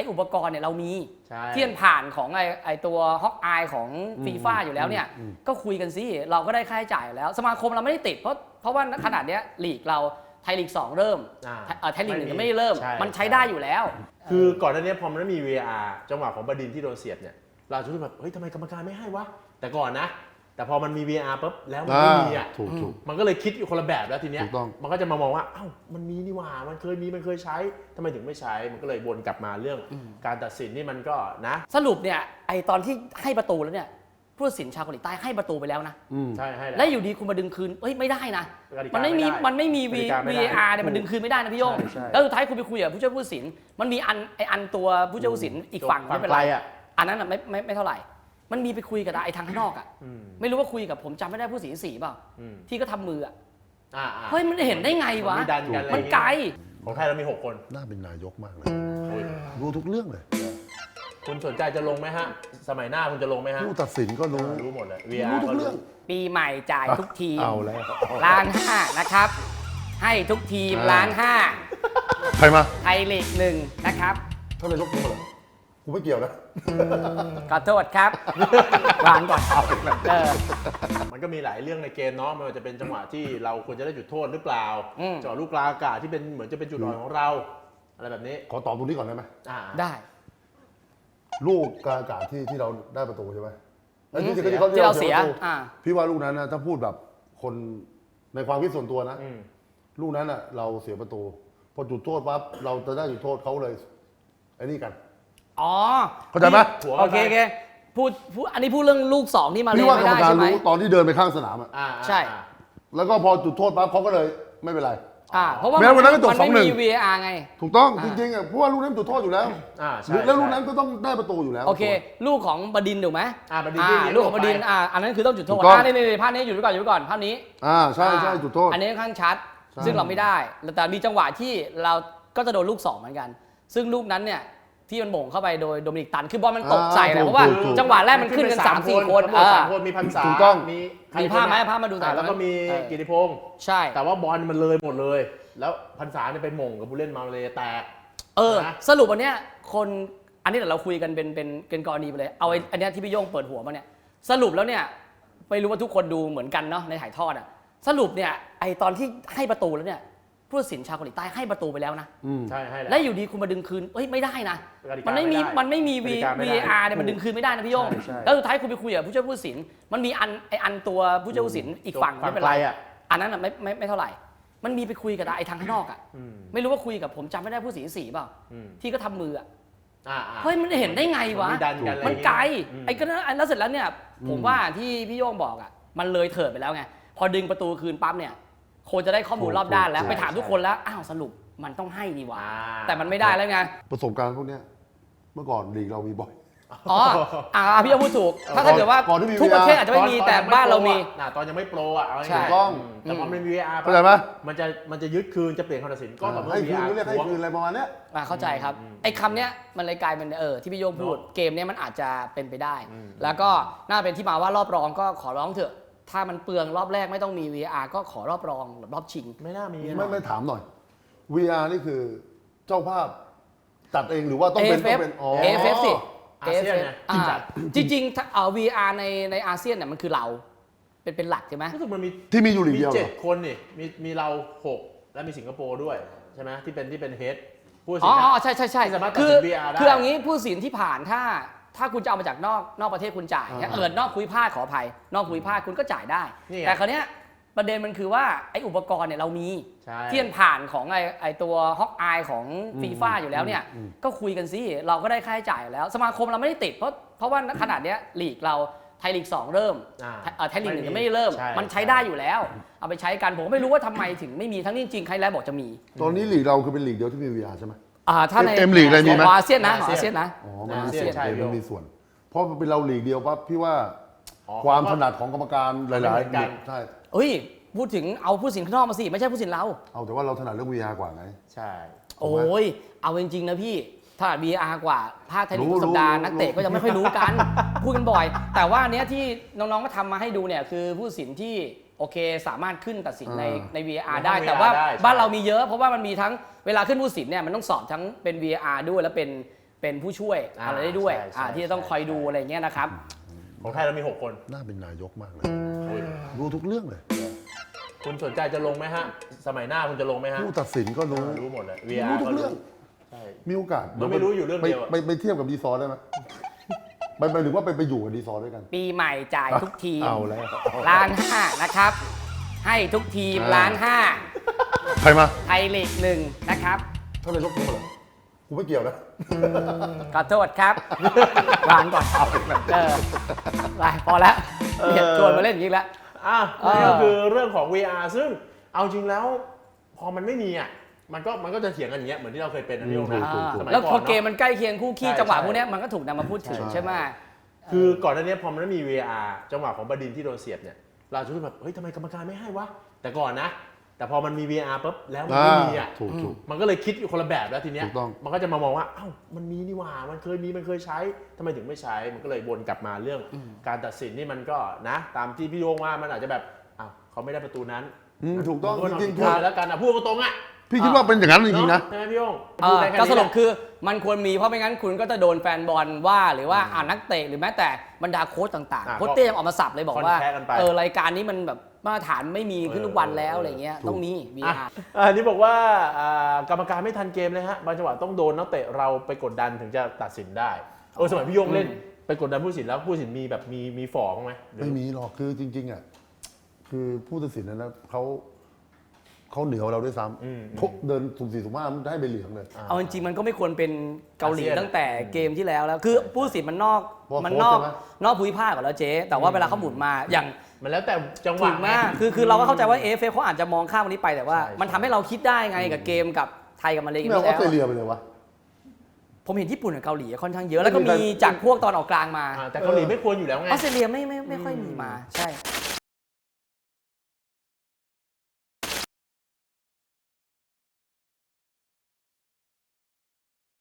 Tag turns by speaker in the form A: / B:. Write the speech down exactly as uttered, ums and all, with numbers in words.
A: อุปกรณ์เนี่ยเรามีที่มันผ่านของไอ้ไอ้ตัวฮอกอายของฟีฟ่าอยู่แล้วเนี่ยก็คุยกันสิเราก็ได้ค่าใช้จ่ายแล้วสมาคมเราไม่ได้ติดเพราะเพราะว่าขนาดเนี้ยลีกเราไทยลีกสองเริ่มไทยลีกหนึ่งยังไม่ได้เริ่มมันใช้ได้อยู่แล้ว
B: คือก่อนหน้านี้พอมันไม่มี วี อาร์ จังหวะของบดินทร์ที่โดนเสียบเนี่ยเราจะรู้แบบเฮ้ยทำไมกรรมการไม่ให้วะแต่ก่อนนะแต่พอมันมี วี อาร์ ปุ๊บแล้วมันไม่มีอ่ะมันก็เลยคิดอยู่คนละแบบแล้วทีเนี้ยมันก็จะมามองว่าเอ้ามันมีนี่หว่ามันเคยมีมันเคยใช้ทำไมถึงไม่ใช้มันก็เลยวนกลับมาเรื่องการตัดสินนี่มันก็นะ
A: สรุปเนี่ยไอตอนที่ให้ประตูแล้วเนี่ยผู้ตัดสินชาวเกาหลีใต้ให้ประตูไปแล้วนะ
B: ใช่ให้
A: แล้วอยู่ดีคุณมาดึงคืนเฮ้ยไม่ได้นะมันไม่มีมันไม่มี วี อาร์ เนี่ยมันดึงคืนไม่ได้นะพี่โยงแล้วสุดท้ายคุณไปคุยกับผู้ช่วยผู้ตัดสินมันมีอันไออันตัวผู้ช่วยผู้ตัดสินอีกฝั่งไม่เป็นไรอันนั้นอ่ะไม่ไม่ไม่เท่าไหร่มันมีไปคุยกับไอ้ทางข้างนอกอ่ะไม่รู้ว่าคุยกับผมจำไม่ได้ผู้สีสีเปล่าที่ก็ทำมืออ่ะเฮ้ยมันเห็นได้ไงวะมันไกล
B: ของไทยเรามีหกคน
C: น่าเป็นนายกมากเลยรู้ทุกเรื่องเลย
B: คุณสนใจจะลงไหมฮะสมัยหน้าคุณจะลงไหมฮะ
C: ผู้ตัดสินก็รู้
B: รู้หมดเลย
C: รู้ทุกเรื่อง
A: ปีใหม่จ่ายทุกทีม
C: เอาแล้ว
A: ล้านห้านะครับให้ทุกทีมล้านห้า
C: ใครมา
A: ไทยลีกหนึ่งนะครับ
C: เท่าไหร่ยกมือเหรอกูไม่เกี่ยวนะ
A: ขอโทษครับวางก่อนเอา
B: มันก็มีหลายเรื่องในเกมเนาะไม่ว่าจะเป็นจังหวะที่เราควรจะได้จุดโทษหรือเปล่าจังหวะลูกกลางอากาศที่เป็นเหมือนจะเป็นจุดอ่อนของเราอะไรแบบนี้
C: ขอตอบตรงนี้ก่อนได้ไหม
A: ได้
C: ลูกกลางอากาศที่ที่เราได้ประตูใช่ไหม
A: ที่เราเสีย
C: พี่ว่าลูกนั้นนะถ้าพูดแบบคนในความคิดส่วนตัวนะลูกนั้นอ่ะเราเสียประตูพอจุดโทษปั๊บเราจะได้จุดโทษเขาเลยไอ้นี่กัน
A: อ๋อ
C: เข้าใจไหม
A: โอเคโอเคพูดพูดอันนี้พูดเรื่องลูกสองที่มาเล่นไม่ได้ใช่ไหม
C: ตอนที่เดินไปข้างสนามอ่ะ
A: ใช่
C: แล้วก็พอจุดโทษปั๊บเขาก็เลยไม่เป็นไร
A: อ่าเพราะว่ามันไม่มี วี อาร์ ไง
C: ถูกต้องจริงๆอ่ะเพราะว่าลูกนั้นจุดโทษอยู่แล้วแล้วลูกนั้นก็ต้องได้ประตูอยู่แล้ว
A: โอเคลูกของบดินถูกไหม
B: อ่าบดิน
A: ลูกของบดินอ่าอันนั้นคือต้องจุดโทษอ่าในในภาพนี้อยู่ไว้ก่อนอยู่ไว้ก่อนภาพนี้
C: อ่าใช่ใช่จุดโทษ
A: อันนี้ค่อนข้างชัดซึ่งเราไม่ได้แต่มีจังหวะที่เราก็จะโดนลูกสองเหมือนกันซึ่งลูกนั้นเนี่ยที่มันโบ่งเข้าไปโดยโดมินิกตันคือบอลมันตกใส่เลยเพราะว่าจังหวะแรกมันขึ้นกัน สามสี่ คน
B: เออมีพันษา
C: ถูกต้อง
B: มี
A: มีภาพไหมภาพมาดูหน่อย
B: แล้วก็มีกิติพงษ์
A: ใช่
B: แต่ว่าบอลมันเลยหมดเลยแล้วพันษาเนี่ยไปหม่งกับผู้เล่นมาเลยแตก
A: เออสรุปวันเนี้ยคนอันนี้เดี๋ยวเราคุยกันเป็นเป็นเป็นกรณีไปเลยเอาอันนี้ที่พี่โย่งเปิดหัวมาเนี่ยสรุปแล้วเนี่ยไม่รู้ว่าทุกคนดูเหมือนกันเนาะในถ่ายทอดอ่ะสรุปเนี่ยไอตอนที่ให้ประตูแล้วเนี่ยผู้ตัดสินชาวเกาหลีใต้ให้ประตูไปแล้วนะ
B: ใช่ให้
A: แล้วอยู่ดีคุณมาดึงคืนเฮ้ยไม่ได้นะมันไม่มีมันไม่มี วี อาร์ เนี่ยมันดึงคืนไม่ได้นะพี่โย่งแล้วสุดท้ายคุณไปคุยกับผู้ช่วยผู้ตัดสินมันมีอันไออันตัวผู้ช่วยผู้ตัดสินอีกฝั่งไม่เป็นไรอันนั้นอ่ะไม่ไม่ไม่เท่าไหร่มันมีไปคุยกับไอ้ทางข้างนอกอ่ะไม่รู้ว่าคุยกับผมจำไม่ได้ผู้สีสีเปล่าที่ก็ทำมืออ่ะเฮ้ยมันเห็นได้ไงวะมันไกลไอ้ก็นั้นแล้วเสร็จแล้วเนี่ยผมว่าที่พี่โย่งบอกอ่ะมันเลยเถิดไปแล้วไงพอดึงประตูคืนปั๊บเนี่ยโค้ชจะได้ข้อมูลรอบด้านแล้วไปถามทุกคนแล้วอ้าวสรุปมันต้องให้ดีวะแต่มันไม่ได้แล้วไง
C: ประสบการณ์พวกนี้เมื่อก่อนลีกเรามีบ่อย
A: อ๋ออ่าพี่โย่งพูดถูกถ้าถ้าเกิดว่าทุกประเทศอาจจะไม่มีแต่บ้านเรามี
B: ตอนยังไม่โปรอ่ะ
C: ถูกต้อง
B: แต่พอมันมี วี อาร์
C: เข้าใจไหม
B: มันจะมันจะยึดคืนจะเปลี่ยนคำตัดสินก็ต่อเมื่อ
C: วี อาร์ เรียกให้คืนอะไรประมาณนี้
A: เข้าใจครับไอ้คำเนี้ยมันเลยกลายเป็นเออที่พี่โย่งพูดเกมเนี้ยมันอาจจะเป็นไปได้แล้วก็น่าเป็นที่มาว่ารอบรองก็ขอร้องเถอะถ้ามันเปลืองรอบแรกไม่ต้องมี วี อาร์ ก็ขอรอบรองรอบชิง
B: ไม่น่ามี
C: ไม่ไม่ถามหน่อย วี อาร์ นี่คือเจ้าภาพจัดเองหรือว่าต้องเป็นต้องเป็น
A: อ๋อ เอ เอฟ เอฟ สิอาเซียนเนี่ยจริงๆเอ่อ วี อาร์ ในในอาเซียนเนี่ยมันคือเราเป็นเป็นหลักใช่ไหม
B: รู้สึกมันมี
C: ที่มีอยู่ลีกเดียว
B: มีเจ็ดคนนี่มีมีเราหกและมีสิงคโปร์ด้วยใช่ไหมที่เป็นที่เป็นเฮดผู้ตัดสิน
A: อ๋อใช่ใช่ใช่คือคือเอางี้ผู้ตัดสินที่ผ่านถ้าถ้าคุณจะเอามาจากนอกนอกประเทศคุณจ่ายเอิดนอกภูมิภาคขออภัยนอกภูมิภาคคุณก็จ่ายได้แต่คราวเนี้ยประเด็นมันคือว่าไอ้อุปกรณ์เนี่ยเรามีที่มันผ่านของไอ้ไอ้ตัวฮอกอายของฟีฟ่าอยู่แล้วเนี่ยก็คุยกันสิเราก็ได้ค่าใช้จ่ายแล้วสมาคมเราไม่ได้ติดเพราะเพราะว่าขนาดเนี้ยลีกเราไทยลีกสองเริ่มไทยลีกหนึ่งยังไม่ได้เริ่มมันใช้ได้อยู่แล้วเอาไปใช้กันผมไม่รู้ว่าทำไมถึงไม่มีทั้งนี้จริงใครแล้วบอกจะมี
C: ตอนนี้ลีกเราคือเป็นลีกเดียวที่มี วี อาร์ ใช่ไหม
A: อ่าถ้าใน
C: เอ็มลีกอะไรมีไหม
A: อาเซียนนะอาเซียนนะ
C: อ๋อมันมีส่วนมันมีส่วนเพราะเป็นเราลีกเดียวปั๊บพี่ว่าความถนัดของกรรมการหลายๆกันใช่
A: เอ้ยพูดถึงเอาผู้สินข้างนอกมาสิไม่ใช่ผู้สินเรา
C: เอาแต่ว่าเราถนัดเรื่อง วี อาร์ กว่าไง
B: ใช่
A: โอ้ยเอาจริงๆนะพี่ถนัด วี อาร์ กว่าภาคไทยลีกสัปดาห์นักเตะก็ยังไม่ค่อยรู้กันพูดกันบ่อยแต่ว่าเนี้ยที่น้องๆก็ทำมาให้ดูเนี่ยคือผู้สินที่โอเคสามารถขึ้นตัดสินในใน วี อาร์ ได้แต่ว่าบ้านเรามีเยอะเพราะว่ามันมีทั้งเวลาขึ้นผู้สินเนี่ยมันต้องสอบทั้งเป็น วี อาร์ ด้วยแล้วเป็นเเป็นผู้ช่วยอะไรได้ด้วย
B: ใช่ใช่
A: อ่าที่จะต้องคอยดูอะไรเงี้ยนะครับ
B: ของไทยเรามีหกคน
C: น่าเป็นนายกมากเลย
B: โอ้ย
C: รู้ทุกเรื่องเลย
B: คุณสนใจจะลงไหมฮะ สมัยหน้าคุณจะลงไหมฮะ
C: ผู้ตัดสินก็รู้
B: รู้หมดเลย
C: รู้
B: วี
C: ทุก
B: อาร์
C: เรื่อง
B: ใช่
C: มีโอกาส
B: มันไม่รู้อยู่เรื่องเดียวอะ
C: ไปไปไปเทียบกับดีซอร์ได้ไหมไปไปหรือว่าไปไปอยู่กับดีซอร์ด้วยกัน
A: ปีใหม่จ่ายทุกทีม
C: เอาแล้ว
A: ล้านห้านะครับ ให้ทุกทีม
C: อ่า
A: ล้านห้า
C: ใครมา
A: ไทยลีกหนึ่งนะครับ
C: ท่านนายกรู้เหรอกูไม่เกี่ยวนะ
A: ขอโทษครับ วางก่อนเออไปพอแล้วเนี่ยชวนมาเล่นอย่างนี้แล้ว
B: อ่ะ
A: เออ
B: นี่ก็คือเรื่องของ วี อาร์ ซึ่งเอาจริงแล้วพอมันไม่มีอ่ะมันก็มันก็จะเถียงกันอย่างเงี้ยเหมือนที่เราเคยเป็นนะพี่โอ๊ค
C: ถู
B: นะ
C: กถูก
A: อ่า
C: ถูก
B: สมัย
A: แล้ว
B: ก่
A: พ
B: อ
A: อน เกม
B: เนาะ
A: มันใกล้เคียงคู่ขี้
B: ใช่
A: จังหวะ
B: ใช่
A: พวกเนี้ยมันก็ถูกนำมาพูดถึง
C: ใช่
A: ใช่ไหม
B: คือก่อนหน้านี้พอมันไม่มี วี อาร์ จังหวะของบดินทร์ที่โดนเสียบเนี่ยเราจะรู้แบบเฮ้ยทำไมกรรมการไม่ให้วะแต่ก่อนนะ แต่พอมันมี วี อาร์ ปุ๊บแล้วมันไม่มีอ่ะ
C: ถูกถูก
B: มันก็เลยคิดอยู่คนละแบบแล้วทีเนี้ย
C: ถูกต้อง
B: มันก็จะมามองว่าเอ้ามันมีนี่หว่ามันเคยมีมันเคยใช้ทำไมถึงไม่ใช้มันก็เลยวนกลับมาเรื่องการตัดสินนี่มันก็นะ ตามที่พี่โยงว่ามันอาจจะแบบอ้าวเขาไม่ได้ประตูนั้น
C: อืมถูกต้อง
B: มัน
C: จริงๆ
B: พูดไปแล้วกันอ่ะพูดตรงๆอ่ะ
C: พี่คิดว่าเป็นอย่างนั้นจริงๆนะ
B: ใช่ไหมพี่โยง
A: เอ
B: พูด
A: อ
B: ได้แค่
A: ก็
B: นี้
A: สรุป
B: แหละ
A: คือมันควรมีเพราะไม่งั้นคุณก็จะโดนแฟนบอลว่าหรือว่าอ่านักเตะหรือแม้แต่บรรดาโค้ชต่าง
B: อ่า
A: ๆโค้ชเต้ยังออกมาสับเลยบอกว่า
B: คอนแทคกันไป
A: เออรายการนี้มันแบบมาตรฐานไม่มีขึ้นทุกวันแล้ว
B: เออ
A: อะไรเงี้ยต้องมี วี
B: อ่ะ
A: อาร์
B: อันนี้บอกว่าอ่ากรรมการไม่ทันเกมเลยฮะบางจังหวะต้องโดนนักเตะเราไปกดดันถึงจะตัดสินได้เออสมัยพี่โยงเล่นไปกดดันผู้ตัดสินแล้วผู้ตัดสินมีแบบมีมีฝ่อบ้างไหมหรือ
C: ไม่มีหรอกคือจริง ๆอ่ะคือผู้ตัดสินนะนะเขาเขาเหนือเราด้วยซ้ำเขาเดินสุ่มสี่สุ่มห้ามันได้ใบเหลืองเลย
A: เอาจริงๆมันก็ไม่ควรเป็นเกาหลี
B: อาเซียน
A: ตั้งแต่เกมที่แล้วแล้ว คือผู้ตัดสินมันนอก
C: เพราะ
A: มันนอก
C: โค้ชใช่ไหม
A: นอกภูมิภาคก่อนแล้วเจ๊แต่ว่าเวลาเขาหมุนมาอย่าง
B: มันแล้วแต่จังห
A: ถู
B: วะ
A: กมากคือคือเราก็เข้าใจว่าเอฟเอเขาอาจจะมองข้ามวันนี้ไปแต่ว่า
B: ใช่
A: มันทำให้เราคิดได้ไงกับเกมกับไทยกับมาเลเซีย
C: ไม่เอาออ
A: แล้
C: สเตร
A: ว
C: เลียไปเลยวะ
A: ผมเห็นญี่ปุ่นกับเกาหลีค่อนข้างเยอะแล้วก็
C: ไม่มี
A: มี
C: แฟน
A: จากพวกตอนออกกลางมา
B: อ่าแต่เกาหลีไม่ควรอยู่แล้วไง
A: ออสเตรเลียไม่ไม่ไม่ค่อยมีมาใช่